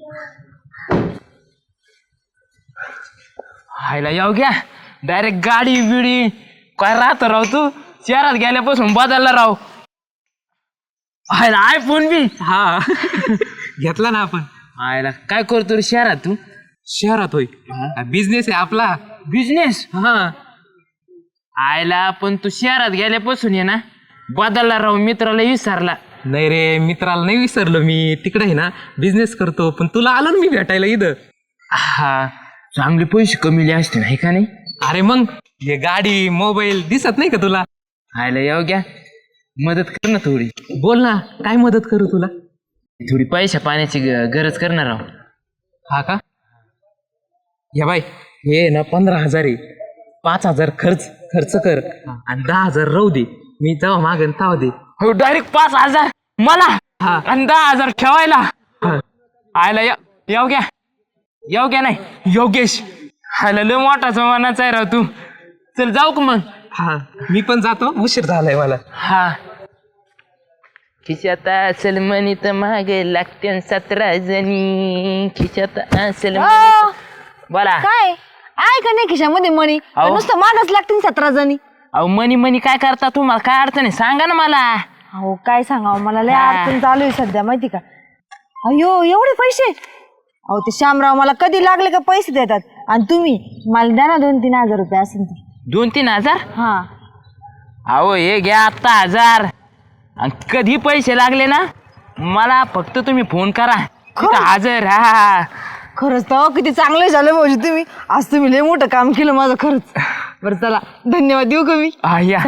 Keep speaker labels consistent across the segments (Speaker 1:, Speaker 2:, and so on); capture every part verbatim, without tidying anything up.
Speaker 1: हायला येऊ घ्या डायरेक्ट गाडी बिडी काय राहत राव तू शहरात गेल्यापासून बदलला राव. हायला आयफोन बी
Speaker 2: हा घेतला ना आपण.
Speaker 1: हायला काय करतो रे शहरात तू?
Speaker 2: शहरात होय बिझनेस आहे आपला.
Speaker 1: बिझनेस?
Speaker 2: हा
Speaker 1: आयला पण तू शहरात गेल्यापासून ये ना बदलला राव, मित्राला विसरला.
Speaker 2: नाही रे मित्राला नाही विसरलो मी. तिकडे आहे ना बिझनेस करतो. पण तुला आलो ना मी भेटायला इथं.
Speaker 1: हा चांगले पैसे कमीले असते नाही का नाही?
Speaker 2: अरे मग हे गाडी मोबाईल दिसत नाही का तुला?
Speaker 1: आयला येऊ घ्या मदत कर ना थोडी.
Speaker 2: बोल ना काय मदत करू तुला?
Speaker 1: थोडी पैशा पाण्याची ग- गरज करणार राव.
Speaker 2: हा का? या बाई हे ना पंधरा हजार आहे. पाच हजार खर्च खर्च कर आणि दहा हजार राहू दे. मी तेव्हा मागेन तेव्हा दे.
Speaker 1: हो डायरेक्ट पाच हजार मला
Speaker 2: हा.
Speaker 1: आणि दहा हजार ठेवायला.
Speaker 2: हा.
Speaker 1: आयला येऊ घ्या येऊ घ्या नाही योगेश. आयला लय मोठा जमानाचा आहे राव तू. चल जाऊ का मग?
Speaker 2: हा मी पण जातो उशीर झालाय मला.
Speaker 1: हा खिशात असेल म्हणी तर मागे लागते सतरा जणी. खिशात असेल म्हणी तर- बोला.
Speaker 3: काय आहे का नाही खिशामध्ये मनी?
Speaker 1: अहो.
Speaker 3: नुसतं मागच लागतील सतरा जणी.
Speaker 1: अहो मनी मनी काय करता तुम्हाला काय अडचण आहे सांगा ना मला.
Speaker 3: अहो काय सांगावं मला लय
Speaker 1: हा.
Speaker 3: अडचण चालू आहे सध्या माहिती का. अयो एवढे पैसे. अहो ते श्यामराव मला कधी लागले का पैसे देतात. आणि तुम्ही मला द्या ना दोन तीन हजार रुपये असेल ते.
Speaker 1: दोन तीन हजार?
Speaker 3: हा
Speaker 1: अहो हे घ्या आत्ता हजार आणि कधी पैसे लागले ना मला फक्त तुम्ही फोन करा तिथं हजर. हा
Speaker 3: खरंच तर किती चांगलं झालं भाऊजी तुम्ही. आज तुम्ही लय मोठं काम केलं माझं खरंच. बरं चला धन्यवाद देऊ का मी?
Speaker 1: हा या.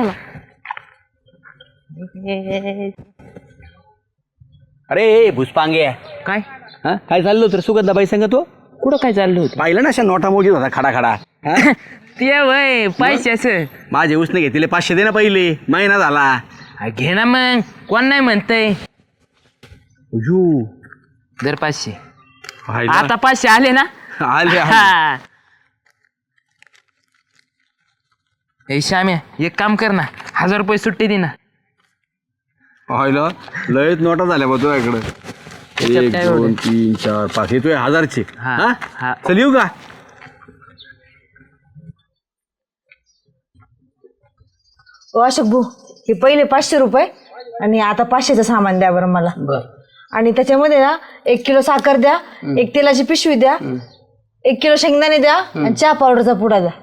Speaker 4: अरे भुसपांगे
Speaker 1: काय
Speaker 4: हा काय चाललो तर सुगंधाबाई संग तो
Speaker 1: कुठं काय चाललं होतं?
Speaker 4: पाहिलं ना अशा नोटा मोजीत होता खडा खडा हा?
Speaker 1: ते वय पैशाच
Speaker 4: माझे उसने घेतले पाचशे दे ना पहिले महिना झाला.
Speaker 1: घे ना मग कोण नाही म्हणतय.
Speaker 4: यू
Speaker 1: जर पाचशे
Speaker 4: पाहिलं?
Speaker 1: आता पाचशे आले ना.
Speaker 4: आले आले.
Speaker 1: हा ए श्याम्या एक काम कर ना हजार रुपये सुट्टी दे ना.
Speaker 4: पाहिलं लयच नोटा झाल्या बा तुझ्याकडं. एक
Speaker 1: काय
Speaker 4: दोन
Speaker 1: एवढे?
Speaker 4: तीन चार पाच हे तुझ्या हजारचे.
Speaker 1: हा,
Speaker 4: हा
Speaker 1: हा.
Speaker 4: चल येऊ का?
Speaker 3: ओ अशोक भाऊ हे पहिले पाचशे रुपये आणि आता पाचशेचं सामान द्या बरं मला. आणि त्याच्यामध्ये ना एक किलो साखर द्या, एक तेलाची पिशवी द्या, एक किलो शेंगदाणे द्या आणि चहा पावडरचा पुडा द्या.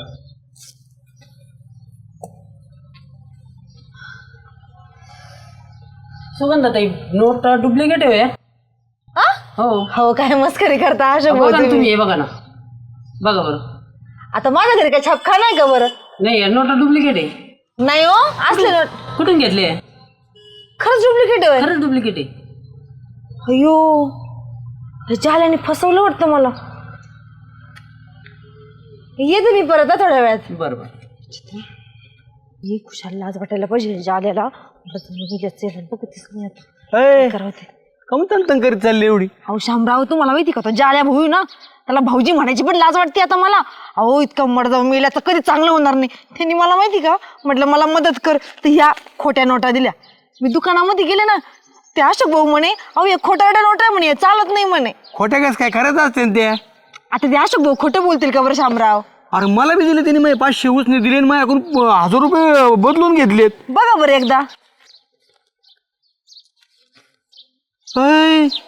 Speaker 5: सुगंधाताई नोट डुप्लिकेट आहे
Speaker 3: आ? हो काय मस्करी करता अशोक भाऊ
Speaker 5: बघा ना
Speaker 3: तुम्ही.
Speaker 5: तुम्ही हे बघा ना बघा बरं.
Speaker 3: आता माझ्या घरी काय छापखा नाही का बरं?
Speaker 5: नाही या नोटा डुप्लिकेट आहे.
Speaker 3: नाही हो असले नोट
Speaker 5: कुठून घेतले?
Speaker 3: खरंच डुप्लिकेट आहे.
Speaker 5: खरंच डुप्लिकेट आहे.
Speaker 3: अयो हे जाल्याने फसवलं वाटतं मला. येते मी परत हा थोड्या वेळात.
Speaker 5: बरं बरं.
Speaker 3: ये खुशाल लाज वाटायला पाहिजे जाल्याला. बघतीस नाही आता.
Speaker 4: ए,
Speaker 3: काय करावं ते.
Speaker 4: काहून तंग करीत चालली एवढी?
Speaker 3: अहो शामराव तुम्हाला माहिती का तो जाल्या भाऊ ना त्याला भाऊजी म्हणायची पण लाज वाटते आता मला. अहो इतकं मडजाव मेला तर कधी चांगलं होणार नाही. त्यांनी मला माहिती का म्हटलं मला मदत कर तर ह्या खोट्या नोटा दिल्या. मी दुकानामध्ये गेले ना ते अशोक भाऊ म्हणे अहो हे खोटारड्या नोटा आहे म्हणे चालत नाही म्हणे.
Speaker 4: खोट्या कस काय खरंच असते ना ते?
Speaker 3: आता ते अशोक भाऊ खोटं बोलतील का बरं शामराव?
Speaker 4: अरे मला बी दिले त्यांनी माझे पाचशे उसने दिले आणि माझ्याकडून हजार रुपये बदलून घेतलेत.
Speaker 3: बघा बरं एकदा.
Speaker 4: ऐ,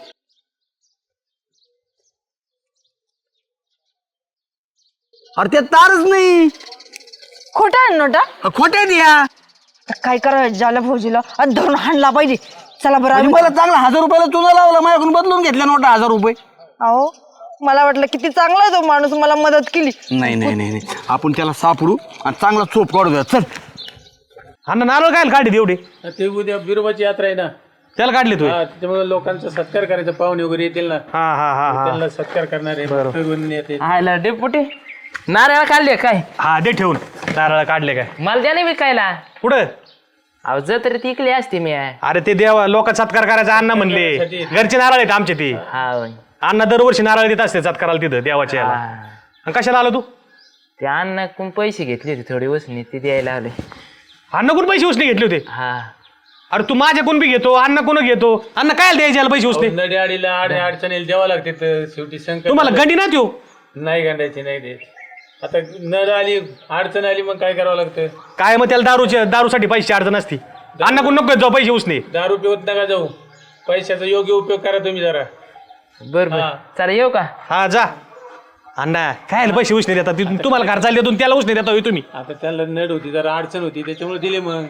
Speaker 4: अरे ते तारच नाही.
Speaker 3: खोटा आहे नोटा.
Speaker 4: खोट्या द्या.
Speaker 3: तर काय करावं जाल्या भाऊजीला आणि धरून हाणला पाहिजे. चला बरं
Speaker 4: आणि
Speaker 3: आम्ही-
Speaker 4: मला चांगला हजार रुपयाला चुना लावला माझ्याकडून बदलून घेतल्या नोटा हजार रुपये.
Speaker 3: अहो मला वाटलं किती चांगला आहे तो माणूस मला मदत केली.
Speaker 4: नाही नाही नाही नाही आपण त्याला सापडू आणि चांगला चोप काढूया. चल
Speaker 6: अण्णा नारळ काय काढले एवढे?
Speaker 7: ते उद्या बिरोबाची यात्रा आहे ना,
Speaker 6: त्याला काढले तू?
Speaker 7: हा, त्याच्यामुळे लोकांचा सत्कार करायचा. पाहुणे वगैरे येतील ना,
Speaker 6: हा हा हा हा
Speaker 7: त्यांना सत्कार करणारे फिरवून येते.
Speaker 1: आयला डेपुटी नारळ काढले काय?
Speaker 6: हा दे ठेवून. नारळ काढले काय?
Speaker 1: मला द्या नाही विकायला.
Speaker 6: कुठं?
Speaker 1: अहो जत्रेत इकली असते मी.
Speaker 6: अरे ते देवा लोक सत्कार करायचा अण्णा म्हणले. घरचे नारळ आहेत आमचे ते.
Speaker 1: हा होय.
Speaker 6: अण्णा दरवर्षी नारळ देत असते सत्काराला तिथं देवाच्या याला.
Speaker 1: हा.
Speaker 6: आणि कशाला आलो तू?
Speaker 1: ते अण्णाकडून पैसे घेतले होते थोडे वसनी ते द्यायला आले.
Speaker 6: अण्णाकडून पैसे उसने घेतले होते?
Speaker 1: हा
Speaker 6: अरे तू माझ्याकडून बी घेतो अन्न कोण घेतो अन्न काय द्यायचे याला पैसे उसने
Speaker 7: नडी आडीला आड अडचणीला द्यावं लागते तर शेवटी संकट
Speaker 6: तुम्हाला गंडी ना देऊ
Speaker 7: नाही गांडायची नाही देत. आता नड आली अडचण आली मग काय करावं लागतं.
Speaker 6: काय मग त्याला दारूच्या दारूसाठी पैसे अडचण असती अन्न कोण नको जाऊ पैसे उसने
Speaker 7: दारू पिवत नका जाऊ. पैशाचा योग्य उपयोग करा तुम्ही जरा.
Speaker 1: बर बर
Speaker 7: हा.
Speaker 1: चला येऊ का
Speaker 6: हा जा अण्णा काय पैसे उसने देतात तिथून तुम्हाला घर चालले त्याला उसने देता होय तुम्ही
Speaker 7: आता त्यांना नड होती जरा अडचण होती त्याच्यामुळे दिले मग.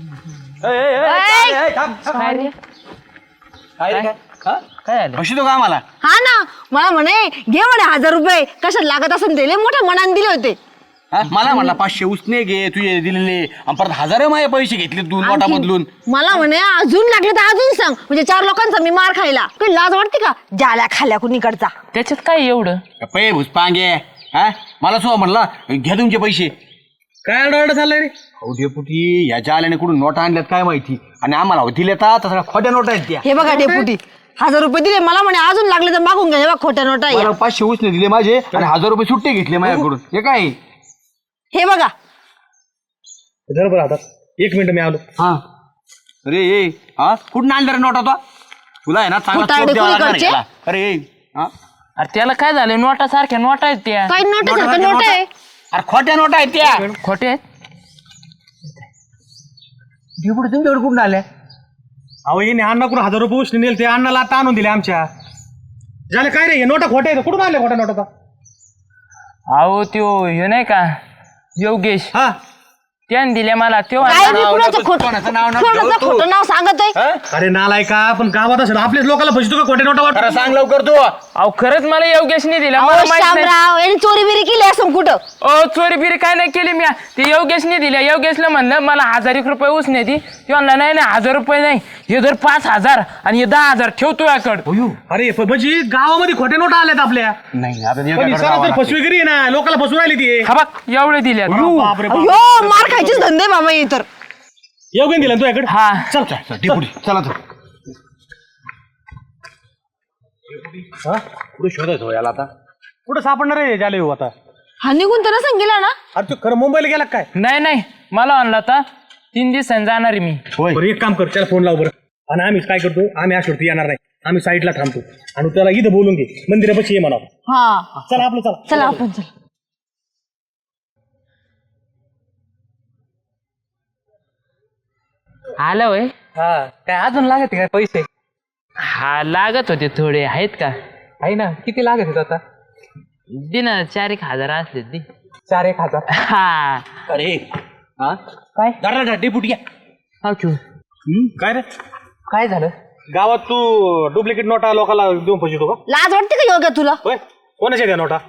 Speaker 1: काय रे काय आलं
Speaker 4: कशी तो का आम्हाला
Speaker 3: हा ना मला म्हणे घे म्हणे हजार रुपये कशात लागत असेल दिले मोठ्या मनाने दिले होते.
Speaker 4: हा? मला म्हणला पाचशे उसने घे तुझे दिलेले आणि परत हजार माझे पैसे घेतले दोन नोटा
Speaker 3: आणखी
Speaker 4: बदलून.
Speaker 3: मला म्हणे अजून लागले तर अजून सांग म्हणजे चार लोकांचा मी मार खायला काही लाज वाटते का जाल्या खाल्या कुणीकडचा.
Speaker 1: त्याच्यात काय एवढं
Speaker 4: पै भुसपांगे हा मला सो म्हणला घ्या तुमचे पैसे.
Speaker 6: काय अडवड चाललंय रे
Speaker 4: अहो डेपुटी ह्याच्या आल्याने कुठून नोटा आणल्यात काय माहिती आणि आम्हाला दिले तर सगळ्या खोट्या नोटा आहेत त्या.
Speaker 3: हे बघा डेपुटी हजार रुपये दिले मला म्हणे अजून लागले तर मागून घ्या हे बघा खोट्या नोटा आहे.
Speaker 4: मला पाचशे उसने दिले माझे आणि हजार रुपये सुट्टे घेतले माझ्याकडून. हे काय
Speaker 3: हे बघा
Speaker 6: बरोबर आता एक मिनिट मी आलो
Speaker 4: हा अरे ये हा कुठून आणलं रे नोटा तो तुला आहे ना चांगला
Speaker 3: खोटारडे
Speaker 4: चोप द्यावा लागणार
Speaker 3: कुणीकडचे?
Speaker 4: याला. अरे ये हा
Speaker 1: अरे त्याला काय झालं नोटा सारख्या नोटा आहेत त्या
Speaker 3: काही नोटा सारखं नोट आहे.
Speaker 4: अरे खोट्या नोटा आहेत त्या.
Speaker 1: खोटे आहेत
Speaker 4: डेपुटी तुमच्याकडे कुठून आल्या
Speaker 6: अहो येणे अण्णाकडून हजार रुपये उसने नेले ते अण्णाला आता आणून दिले आमच्या झाले काय रे हे नोटा खोटे आहेत कुठून आले खोट्या नोटा
Speaker 1: अहो त्यो हे नाही का योगेश
Speaker 6: हा
Speaker 1: त्याने दिल्या मला त्यो
Speaker 3: काय
Speaker 1: आणला.
Speaker 3: मी कुणाचं खोट
Speaker 4: कोणाचं नाव नाव
Speaker 3: कोणाचं
Speaker 4: ठेव तू.
Speaker 3: खोटं नाव सांगत आहे.
Speaker 6: अरे नालाय का पण गावात असेल आपल्याच लोकांना फसतो का खोटे नोटा
Speaker 4: खरं
Speaker 6: वाटत
Speaker 4: सांग लवकर तू.
Speaker 1: अहो खरंच मला योगेशने दिला मला
Speaker 3: अहो,
Speaker 1: माहित नाही
Speaker 3: शामराव यांनी चोरी बिरी केली असं कुठं.
Speaker 1: ओ चोरी बिरी काय नाही केली मी ते योगेशने दिल्या योगेशला म्हणलं मला हजार एक रुपये उसने ती ती म्हणला नाही नाही हजार रुपये नाही हे जर पाच हजार आणि हे दहा हजार ठेवतो याकडं
Speaker 6: अरे प- म्हणजे गावामध्ये खोटे नोटा आल्यात आपल्या
Speaker 4: नाही आता
Speaker 6: पण
Speaker 4: एकाकडे
Speaker 6: सर
Speaker 4: जावं
Speaker 6: तर
Speaker 4: लागतं.
Speaker 6: फसवेगिरी आहे ना लोकांना फसवून आली ती
Speaker 1: हा बघ एवढे दिल्या
Speaker 6: बापरे बाप.
Speaker 3: अयो मार खायचीच धंदे बाबा हे तर.
Speaker 6: येऊ दिला तू याकडे
Speaker 1: हा
Speaker 6: चल
Speaker 4: चल, डेपुटी चला तर
Speaker 6: कुठे शोधायचो याला आता कुठं सापडणार आहे झाले हो आता
Speaker 3: हा निघून तर नसेल गेला ना.
Speaker 6: अरे तू खरं मुंबईला गेला काय
Speaker 1: नाही नाही मला आणला आता तीन दिवसांनी जाणार आहे मी
Speaker 4: होय
Speaker 6: बरं एक काम कर त्याला फोन लाव बरं आणि आम्ही काय करतो आम्ही अशोरती येणार नाही आम्ही साईडला थांबतो आणि त्याला इथं बोलून घे मंदिरापाशी ये म्हणा
Speaker 3: हा
Speaker 6: चला आपलं चला
Speaker 3: चला आपण चल.
Speaker 1: आलं वय
Speaker 2: हा काय अजून लागत काय पैसे
Speaker 1: हा लागत होते थोडे आहेत का
Speaker 2: आहे ना किती लागत आहेत आता
Speaker 1: दे ना चार एक हजार असले दे
Speaker 2: चार एक हजार
Speaker 1: हा
Speaker 4: अरे हा
Speaker 2: काय
Speaker 4: जरा डेपुटी या.
Speaker 1: हा ठेव.
Speaker 6: काय रे
Speaker 2: काय झालं
Speaker 6: गावात तू डुप्लिकेट नोटा लोकांना देऊन फसवतो का
Speaker 3: लाज वाटते का योग्य तुला.
Speaker 6: होय कोणाच्या द्या नोटा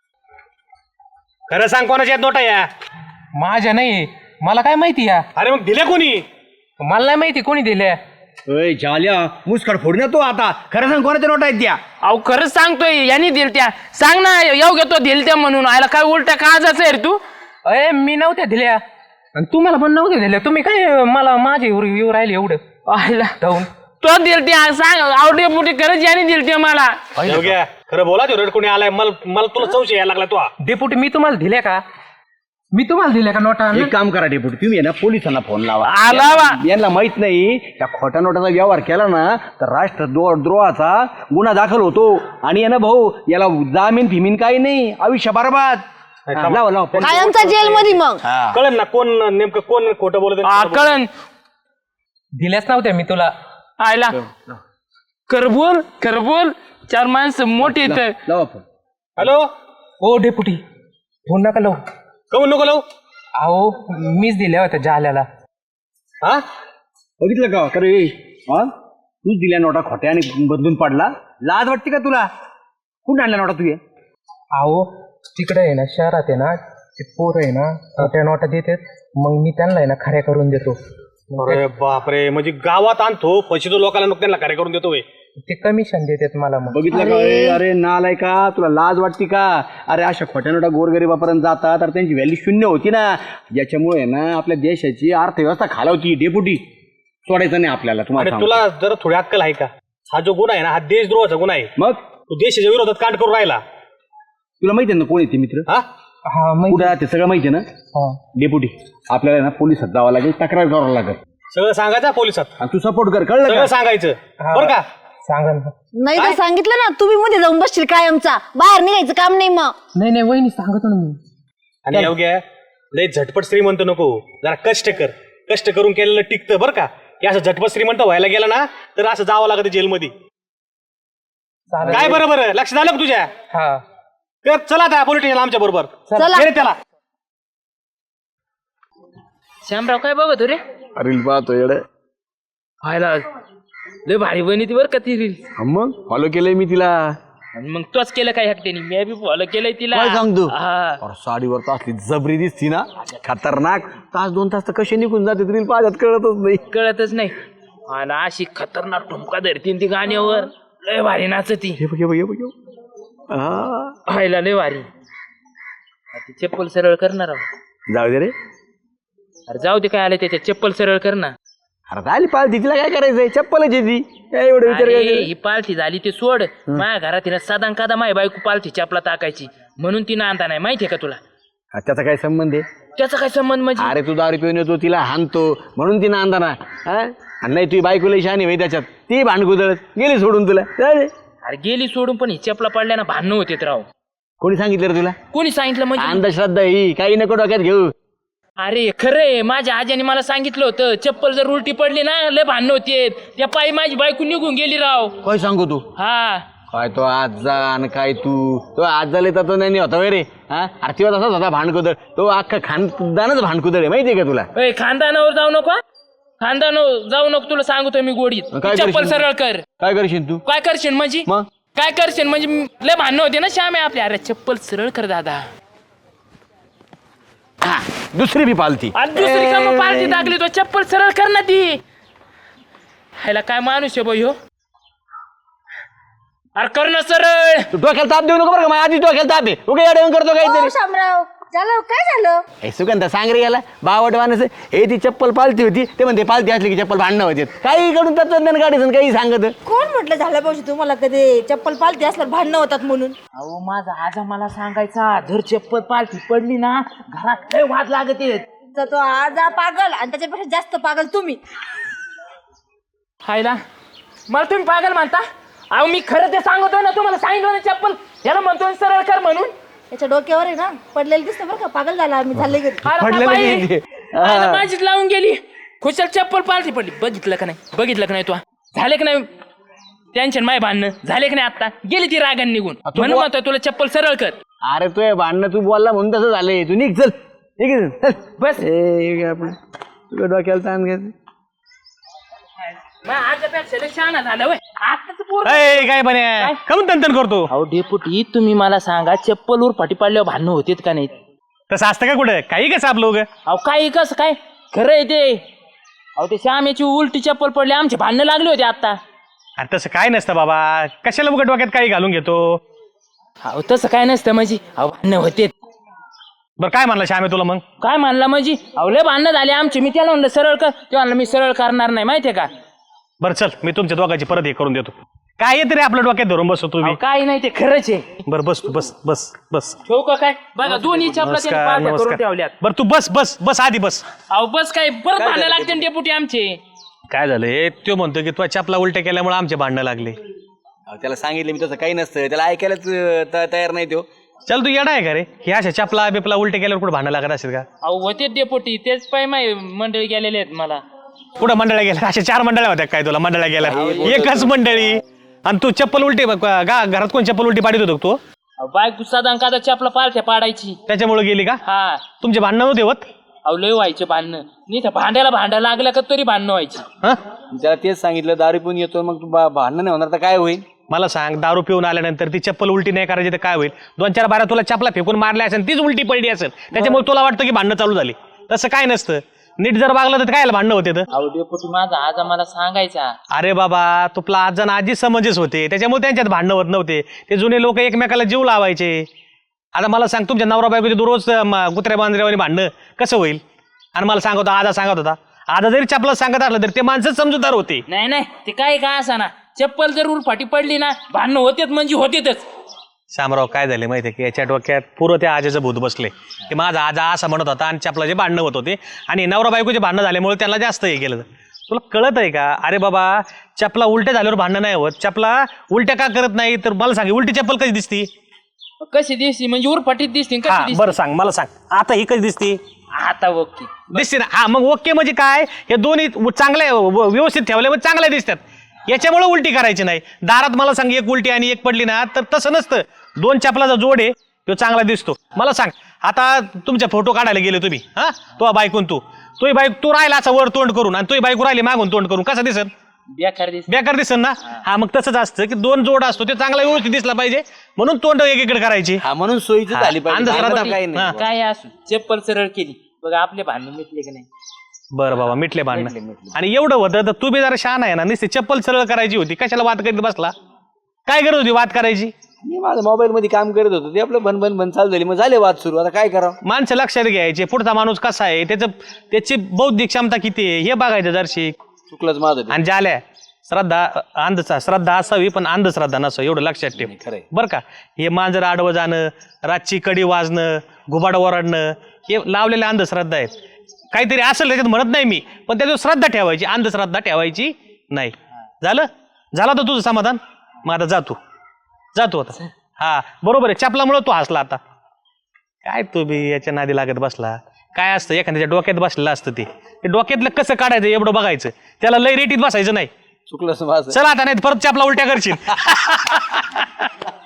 Speaker 6: खरं सांग कोणाच्या आहेत नोटा या
Speaker 2: माझ्या नाही मला काय माहिती या
Speaker 6: अरे मग दिल्या कोणी
Speaker 2: मला नाही माहिती कोणी दिल्या
Speaker 4: ओय झाल्या मुस्कड फोड ना तू आता खरं सांग कोणाच्या नोटा आहेत त्या.
Speaker 1: अहो खरंच सांगतोय यांनी दिल त्या सांग ना येऊ घेतो दिल त्या म्हणून आयला काय उलट्या काळजाचं आहे रे तू
Speaker 2: अय मी नव्हत्या दिल्या आणि तुम्हाला पण नव्हत्या दिल्या तुम्ही काय मला माझे येऊ राहिले एवढं
Speaker 1: आयला
Speaker 2: जाऊन
Speaker 1: तो दिल त्या सांग आवडे पुढे खरंच यांनी दिल त्या मला
Speaker 6: योग्य खरं बोला तो रेड कोणी आलाय मला मला तुला चौशे यायला लागला तो
Speaker 2: डेपुटी मी तुम्हाला दिल्या का मी तुम्हाला दिल्या का नोटा
Speaker 4: एक काम करा डेपुटी तुम्ही आहे ना पोलिसांना फोन लावा
Speaker 1: आला वा
Speaker 4: यांना माहित नाही त्या खोट्या नोटाचा व्यवहार केला ना तर राष्ट्र द्रोहाचा गुन्हा दाखल होतो आणि आहे ना भाऊ याला जामीन फिमीन काही नाही आयुष्य बरबाद. हा, लावा लावा फोन.
Speaker 3: कायमचा जेल मध्ये मग.
Speaker 4: हा.
Speaker 6: कळेल ना कोण नेमकं कोण खोटं बोलत
Speaker 1: हा, कळण
Speaker 2: दिल्याच नव्हत्या मी तुला
Speaker 1: आयला कर बोल कर बोल चार माणसं मोठी तर
Speaker 4: लावा फोन.
Speaker 6: हॅलो
Speaker 2: ओ डेपुटी फोन नका लावू
Speaker 6: कमून नको लावू
Speaker 2: अहो मीच दिल्या होत्या जाल्याला
Speaker 6: हा
Speaker 4: बघितलं का खरं ए, हा तू दिल्या नोटा खोट्या आणि बदलून पडला लाज वाटते का तुला कुठं आणल्या नोटा तुझे
Speaker 2: अहो तिकडे आहे ना शहरात आहे ना ते पोरं आहे ना त्या नोटा देतात मग मी त्यांना आहे ना खऱ्या करून देतो
Speaker 6: अरे बापरे म्हणजे गावात आणतो पैसे तो लोकांना नको त्यांना कार्य करून देतोय
Speaker 2: ते कमिशन देतात मला मग
Speaker 4: बघितलं का ए, अरे नालाय का तुला लाज वाटते का अरे अशा खोट्या नोटा गोरगरिबापर्यंत जातात तर त्यांची व्हॅल्यू शून्य होती ना ज्याच्यामुळे ना आपल्या देशाची अर्थव्यवस्था खालावती डेपुटी सोडायचं नाही आपल्याला
Speaker 6: अरे
Speaker 4: तुम्हाला सांगतो.
Speaker 6: तुला जरा थोडी अक्कल आहे का हा जो गुन्हा आहे ना हा देशद्रोहाचा गुन्हा आहे
Speaker 4: मग
Speaker 6: तू देशाच्या विरोधात कांड करून राहिला
Speaker 4: तुला माहिती आहे ना कोण येते मित्र
Speaker 6: हा
Speaker 2: हा मग
Speaker 4: कुठं ते सगळं माहिती आहे ना
Speaker 2: हा
Speaker 4: डेपुटी आपल्याला ना पोलिसात जावं लागेल तक्रार करावं लागेल
Speaker 6: सगळं सांगायचं पोलिसात,
Speaker 4: आणि तू सपोर्ट कर, कळलं
Speaker 6: सगळं
Speaker 4: का?
Speaker 6: सांगायचं बरं का?
Speaker 2: सांगा ना.
Speaker 3: नाही तर सांगितलं ना तुम्ही मध्ये जाऊन बसशील कायमचा, बाहेर निघायचं काम नाही मग.
Speaker 2: नाही नाही वहिनी सांगतो ना मी.
Speaker 6: आणि योग्य लय झटपट श्रीमंत नको, जरा कष्ट कर, कष्ट करून केलेलं टिकतं बरं का. हे असं झटपट श्रीमंत व्हायला गेलं ना तर असं जावं लागतं जेलमध्ये. काय बरं बरं लक्ष झालं का तुझ्या?
Speaker 2: हा
Speaker 6: तर चला आता पोलीस स्टेशन आमच्या बरोबर.
Speaker 3: चला.
Speaker 6: ये रे त्याला.
Speaker 1: श्यामराव काय बघतो रे?
Speaker 4: रील पाहतो येडे.
Speaker 1: व्हायला लय भारी बनी ती बरं का ती रील.
Speaker 4: मग फॉलो केलंय मी तिला.
Speaker 1: आणि मग तोच केलं काय हट्टेनी, मी बी फॉलो केलंय तिला.
Speaker 4: काय सांगतो?
Speaker 1: हा.
Speaker 4: अरे साडीवर तर असली जबरी दिसती ना, खतरनाक. तास दोन तास तर कसे निघून जाते रील पाहतात कळतच नाही.
Speaker 1: कळतच नाही. आणि अशी खतरनाक ठुमका धरतीन ती गाण्यावर, लय भारी नाचती.
Speaker 4: हे बघ हे बघ हे बघ हे बघ. हा.
Speaker 1: व्हायला लय भारी. ती चप्पल सरळ करणार आहो.
Speaker 4: जाऊ दे रे.
Speaker 1: अरे जाऊ दे काय आलं त्याच्यात, चप्पल सरळ कर ना.
Speaker 4: अरे झाली पालती, तिला काय करायचंय? चप्पलच आहे ती. काय एवढं विचार
Speaker 1: अरे,
Speaker 4: काय?
Speaker 1: ही पालथी झाली ते सोड. माझ्या घरात तिनं सदान कादा माझी बायको पालथी चपला टाकायची, म्हणून तिनं आणता नाही. माहितीये का तुला
Speaker 4: हा, त्याचा काय संबंध आहे?
Speaker 1: त्याचा काय संबंध म्हणजे?
Speaker 4: अरे तू दारू पिऊन येतो, तिला हाणतो म्हणून तिनं आणता ना. हा? आणि नाही तुझी बायकोला शानी भाई त्याच्यात, ती भांडकुदळत गेली सोडून तुला. जाऊ दे.
Speaker 1: अरे गेली सोडून, पण ही चपला पडल्या ना भांडणं होते राव.
Speaker 4: कोणी सांगितलं रे तुला?
Speaker 1: कोणी सांगितलं म्हणजे?
Speaker 4: अंधश्रद्धा ही, काही नको डोक्यात घेऊ.
Speaker 1: अरे खरंय, माझ्या आजीने मला सांगितलं होतं, चप्पल जर उलटी पडली ना लय भांडणं होते. त्या पायी माझी बायको निघून गेली राव.
Speaker 4: काय सांगू तू?
Speaker 1: हा.
Speaker 4: काय तो आजा आणि काय तू तो आज झाले तर तो नाही होता वय रे. हा, अरे तेव्हा तसाच होता भांडकुदळ. तो अख्खा खानदानच भांडकुदळ आहे, माहितीये का तुला?
Speaker 1: ओय, खानदानावर जाऊ नको हा. खानदानावर जाऊ नको, तुला सांगतो मी गोडीत.
Speaker 4: काय
Speaker 1: चप्पल
Speaker 4: करशील?
Speaker 1: सरळ कर.
Speaker 4: काय करशील तू?
Speaker 1: काय करशील म्हणजे?
Speaker 4: मग
Speaker 1: काय करशील म्हणजे? लय भांडणं होते ना श्याम आहे आपल्या. अरे चप्पल सरळ कर दादा.
Speaker 4: हा, दुसरी बी पालती.
Speaker 1: आज दुसरी का मग पार्टी टाकली, तो चप्पल सरळ कर ना ती. ह्याला काय माणूस आहे बाई हो. अरे कर ना सरळ.
Speaker 4: तू डोक्याला ताप देऊ नको बरं का. माझ्या आधी डोक्याला ताप आहे. उगा येऊन करतो काहीतरी.
Speaker 3: शामराव झालं काय झालं?
Speaker 4: हे सुगंधा सांग रे याला, बावट माणूस आहे. हे ती चप्पल पालती होती, ते म्हणते पालती असली की चप्पल भांडणं होते. काही कडून तत्वज्ञान गाडीचं काही सांगत.
Speaker 3: कोण म्हटलं झालं पाहिजे तुम्हाला कधी चप्पल पालती असल्यावर भांडणं होतात म्हणून?
Speaker 1: अहो माझा आजा मला सांगायचा, धर चप्पल पालथी पडली ना घरात लय वाद लागत आहेत.
Speaker 3: तर तो आजा पागल आणि त्याच्यापेक्षा जास्त पागल तुम्ही.
Speaker 1: हायला मला तुम्ही पागल म्हणता? अहो मी खरं ते सांगतोय ना तुम्हाला, सांगितलं ना चप्पल याला म्हणतोय सरळ कर म्हणून.
Speaker 3: त्याच्या डोक्यावर आहे ना पडलेलं दिसतं बरं का, पागल झाला मी झाले घरी.
Speaker 1: अरे
Speaker 4: पडलेलं
Speaker 1: बाई,
Speaker 4: नाही ते.
Speaker 1: आता माझीच लावून गेली. खुशाल चप्पल पालथी पडली. बघितलं का नाही? बघितलं का नाही? तू झाले का नाही टेन्शन? माय भांडणं झाले का नाही? आता गेली ती रागान निघून, म्हणून म्हणतोय तुला चप्पल सरळ कर.
Speaker 4: अरे तू भांडणं तू बोलला म्हणून तसं झालंय. तू निघ चल, निघ चल.
Speaker 1: बस
Speaker 4: ए, आपण तुला डोक्याला ताण घ्यायचं.
Speaker 1: माझ्या आजापेक्षा लय शहाणा झाला होय. आताच पोर.
Speaker 6: ए, काय बने कमून तंतन करतो?
Speaker 1: अहो डेपुटी तुम्ही मला सांगा, चप्पल वर फाटी पडल्यावर भांडणं होतेत का नाही?
Speaker 6: तसं असतं का कुठं? काही कसं आपलं उगं?
Speaker 1: अहो काय कसं काय खरं आहे ते? अहो ते श्यामेची उलटी चप्पल पडली, आमचे भांडणं लागले होते आता.
Speaker 6: अरे तसं काय नसतं बाबा, कशाला उगं डोक्यात काही घालून घेतो?
Speaker 1: अहो तसं काय नसतं म्हणजे. अहो भांडणं होतेत.
Speaker 6: बरं काय म्हणलं श्यामे तुला मग?
Speaker 1: काय म्हणला म्हणजे? अहो लय भांडणं झाले आमचे. मी त्याला म्हणलं सरळ कर, ते म्हणलं मी सरळ करणार नाही. माहितीये का?
Speaker 6: बरं चल, मी तुमच्या दोघांची परत हे करून देतो. काय येते रे आपल्या डोक्यात धरून बसतो तुम्ही?
Speaker 1: अहो, काही नाही ते खरंच आहे.
Speaker 6: बरं बस तू बस बस बस.
Speaker 1: ठेवू का काय? बघा दोन्ही चपला त्यांनी
Speaker 6: नमस्कार
Speaker 1: पार्ट्या करून
Speaker 6: नमस्कार.
Speaker 1: ठेवल्यात.
Speaker 6: बरं तू बस बस बस आधी बस.
Speaker 1: अहो बस काय परत भांडणं लागते ना डेपुटी आमचे.
Speaker 6: काय झालंय? तो म्हणतो की तुझ्या चपला उलट्या केल्यामुळे आमचे भांडणं लागले.
Speaker 4: अहो, त्याला सांगितलं मी तसं काही नसतं. त्याला ऐकायलाच अं, त- तयार नाही तो.
Speaker 6: चल तू येडा आहे का रे? हे अशा चपला बिपला उलटे केल्यावर कुठे भांडणं लागत असेल का?
Speaker 1: अहो होते डेपुटी, तेच पाय माय मंडळी गेलेले आहेत मला.
Speaker 6: कुठं मंडळ्या गेल्या? अशा चार मंडळ्या होत्या काय तुला? मंडळ्या गेल्या एकच मंडळी. आणि तू चप्पल उलटी गा घरात कोण चप्पल उलटी पाडीत होतो तू?
Speaker 1: अहो बायको साधा कादा चपला पालथ्या पाडायची.
Speaker 6: त्याच्यामुळे गेली का?
Speaker 1: हा.
Speaker 6: तुमचे भांडणं नव्हते होत?
Speaker 1: अहो लय व्हायचे भांडणं. नाही तर भांड्याला भांडा लागलं का तरी भांडणं व्हायची.
Speaker 6: हा?
Speaker 4: त्याला तेच सांगितलं दारू पिऊन येतो, मग तू बा- भांडणं नाही होणार तर काय होईल?
Speaker 6: मला सांग, दारू पिऊन आल्यानंतर ती चप्पल उलटी नाही करायची तर काय होईल? दोन चार बारा तुला चपला फेकून मारल्या असेल, तीच उलटी पडली असेल, त्याच्यामुळे तुला वाटतं की भांडणं चालू झाली. तसं काय नसतं. नीट जर वागलं तर काय भांडणं होते तर?
Speaker 1: अहो डेपुटी माझा आजा मला सांगायचा.
Speaker 6: अरे बाबा, तुला आजण आजी समंजस होते, त्याच्यामुळे त्यांच्यात भांडणं होत नव्हते. ते जुने लोक एकमेकाला जीव लावायचे. आता मला सांग, तुमच्या नवरा बायको दररोज म, कुत्र्या बांधऱ्यावर भांडणं कसं होईल? आणि मला सांगत होता, आजा सांगत होता, आजा जरी चपला सांगत असलं तरी ते माणसं समजूतदार होते.
Speaker 1: नाही नाही ते काय काय असा ना, चप्पल जर उलफाटी पडली ना भांडणं होतेच म्हणजे होतेच.
Speaker 6: शामराव काय झाले माहितीये की याच्या डोक्यात पूर्व त्या आजेचं भूत बसले की माझा आजा असं म्हणत होता आणि चपलाचे भांडणं होत होते आणि नवरा बायकोचे भांडणं झाल्यामुळे त्यांना जास्त हे केलं. तुला कळत आहे का? अरे बाबा चपला उलट्या झाल्यावर भांडणं नाही होत. चपला उलट्या का करत नाही तर मला सांग उलटी चप्पल कशी दिसती?
Speaker 1: कशी दिसती म्हणजे उरफाटीत दिसते
Speaker 6: हा
Speaker 1: कशी दिसते
Speaker 6: बरं सांग मला सांग आता ही कशी दिसती?
Speaker 1: आता ओके
Speaker 6: दिसते ना. हा मग ओके म्हणजे काय हे दोन्ही चांगले व्यवस्थित ठेवले मग चांगल्या दिसतात. याच्यामुळे उलटी करायची नाही. दारात मला सांग एक उलटी आणि एक पडली ना तर तसं नसतं. दोन चपलाचा जोड आहे तो चांगला दिसतो. मला सांग आता तुमच्या फोटो काढायला गेले तुम्ही हा तो बायकून तू तोही बाईक तू राहिला असा वर तोंड करून आणि तोही बायको राहिली मागून तोंड करून कसा दिसत?
Speaker 1: बेकार दिसते.
Speaker 6: बेकार दिसन ना. हा मग तसंच असतं की दोन जोड असतो ते चांगला व्यवस्थित दिसला पाहिजे म्हणून तोंड एकीकडे करायची.
Speaker 4: हा म्हणून सोयीची झाली पाहिजे.
Speaker 6: अंधश्रद्धा
Speaker 4: भांडणं काही नाही.
Speaker 6: हा.
Speaker 1: काय असू चप्पल सरळ केली बघा आपले भांडण मिटले की नाही.
Speaker 6: बरं बाबा मिटले भांडणं. आणि एवढं होतं तर तू बी जरा शहाणा आहे ना नुसती चप्पल सरळ करायची होती कशाला वाद करीत बसला? काय गरज होती वाद करायची?
Speaker 4: मी माझं मोबाईल मध्ये काम करत होतो ते आपलं बन बन बन चालू झाली मग झाले वाद सुरू. आता काय करावं?
Speaker 6: माणसं लक्षात घ्यायचे पुढचा माणूस कसा आहे त्याचं त्याची बौद्धिक क्षमता किती आहे हे बघायचं जरशी.
Speaker 4: चुकलंच माझं ते.
Speaker 6: आणि झाल्या श्रद्धा अंधचा श्रद्धा असावी पण अंधश्रद्धा नसावी एवढं लक्षात ठेव
Speaker 4: खरंय.
Speaker 6: बरं का. हे मांजर आडवं जाणं रातची कडी वाजणं घुबाड ओरडणं हे लावलेल्या अंधश्रद्धा आहेत. काहीतरी असेल त्याच्यात म्हणत नाही मी पण त्याच्यावर श्रद्धा ठेवायची अंधश्रद्धा ठेवायची नाही. झालं झालं तर तुझं समाधान. मग आता जातो जातो आता. हा बरोबर आहे चपलामुळे तू हसला आता. काय तू बी याच्या नादी लागत बसला. काय असतं एखाद्याच्या डोक्यात बसलेलं असतं ते ते डोक्यातलं कसं काढायचं एवढं बघायचं त्याला लय रेटीत बसायचं नाही.
Speaker 4: चुकलंच माझं.
Speaker 6: चला आता नाही परत चपला उलट्या करशील.